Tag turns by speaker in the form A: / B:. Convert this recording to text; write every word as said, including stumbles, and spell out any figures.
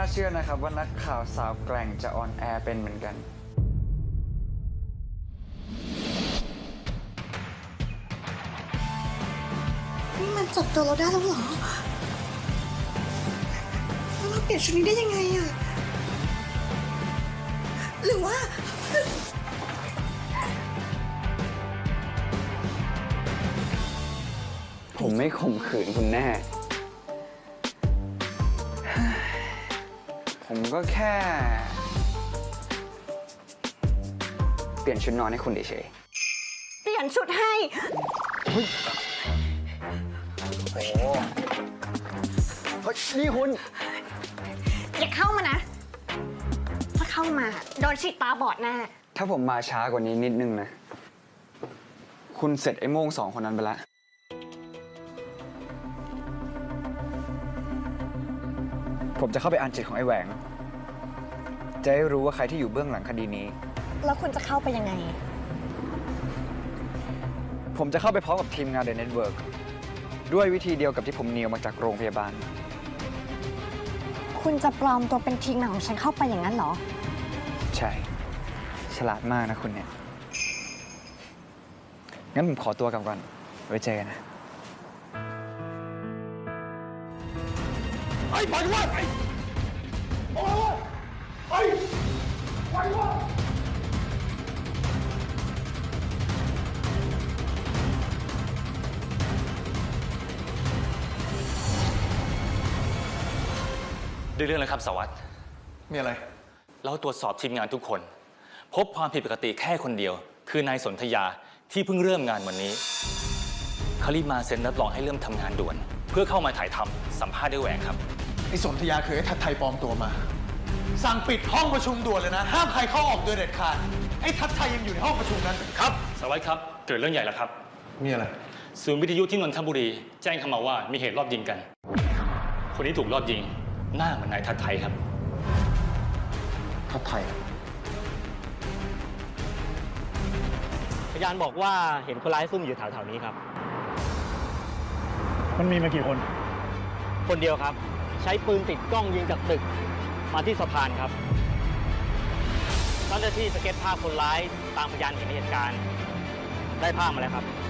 A: เชื่อนะครับว่านักข่าวสาวแกร่งจะออนแอร์เป็นเหมือนกัน
B: นี่มันจับตัวเราได้แล้วเหรอแล้วเราเปลี่ยนชุดนี้ได้ยังไงอะหรือว่า
A: ผมไม่ข่มขืนคุณแน่ ผมก็แค่ เปลี่ยนชุดนอนให้คุณเฉย
B: เปลี่ยนชุดให้
A: ๆเฮ้ยโอ้เฮ้ยนี่คุณ
B: อย่าเข้ามานะ ถ้าเข้ามาโดนฉีดตาบอดแน่
A: ถ้าผมมาช้ากว่านี้นิดนึงนะ คุณเสร็จไอ้โม่งสองคนนั้นไปแล้ว ผมจะเข้าไปอ่านจิตของไอ้แหวง จะได้รู้ว่าใครที่อยู่เบื้องหลังคดีนี้
B: แล้วคุณจะเข้าไปยังไง
A: ผมจะเข้าไปพร้อมกับทีมงาน The Network ด้วยวิธีเดียวกับที่ผมเนียวมาจากโรงพยาบาล
B: คุณจะปลอมตัวเป็นทีมงานของฉันเข้าไปอย่างนั้นเหรอ
A: ใช่ ฉลาดมากนะคุณเนี่ย งั้นผมขอตัวกลับก่อน ไว้เจอกันนะ
C: ไอ้ปล่อยว่าไอ้ปล่อยว่าไอ้ปล่อยว่า
D: ด้วยเรื่องอะไรครับสวัสดิ์
C: มีอะไร
D: เราตรวจสอบทีมงานทุกคน พบความผิดปกติแค่คนเดียว คือนายสนธยาที่เพิ่งเริ่มงานวันนี้เขารีบมาเซ็นรับรองให้เริ่มทำงานด่วน เพื่อเข้ามาถ่ายทำสัมภาษณ์ด้วยแหวงครับ
C: ไอ้สนธยาเคยให้ทัดไทยปลอมตัวมา สั่งปิดห้องประชุมด่วนเลยนะ ห้ามใครเข้าออกโดยเด็ดขาด ไอ้ทัดไทยยังอยู่ในห้องประชุมนั้น
D: ครับสวัสดิ์ครับเกิดเรื่องใหญ่แล้วครับ
C: มีอะไร
D: ศูนย์วิทยุที่นนทบุรีแจ้งเข้ามาว่ามีเหตุรอบยิงกัน คนที่ถูกรอบยิงหน้าเหมือนนายทัดไทยครับ
C: ทัดไทย
E: พยานบอกว่าเห็นคนร้ายซุ่มอยู่แถวๆนี้ครับ
F: มันมีมากี่คน
E: คนเดียวครับ ใช้ปืนติดกล้องยิงจากตึกมาที่สะพานครับเจ้าหน้าที่สเก็ตภาพคนร้ายตามพยานเห็นเหตุการณ์ได้ภาพมาแล้วครับ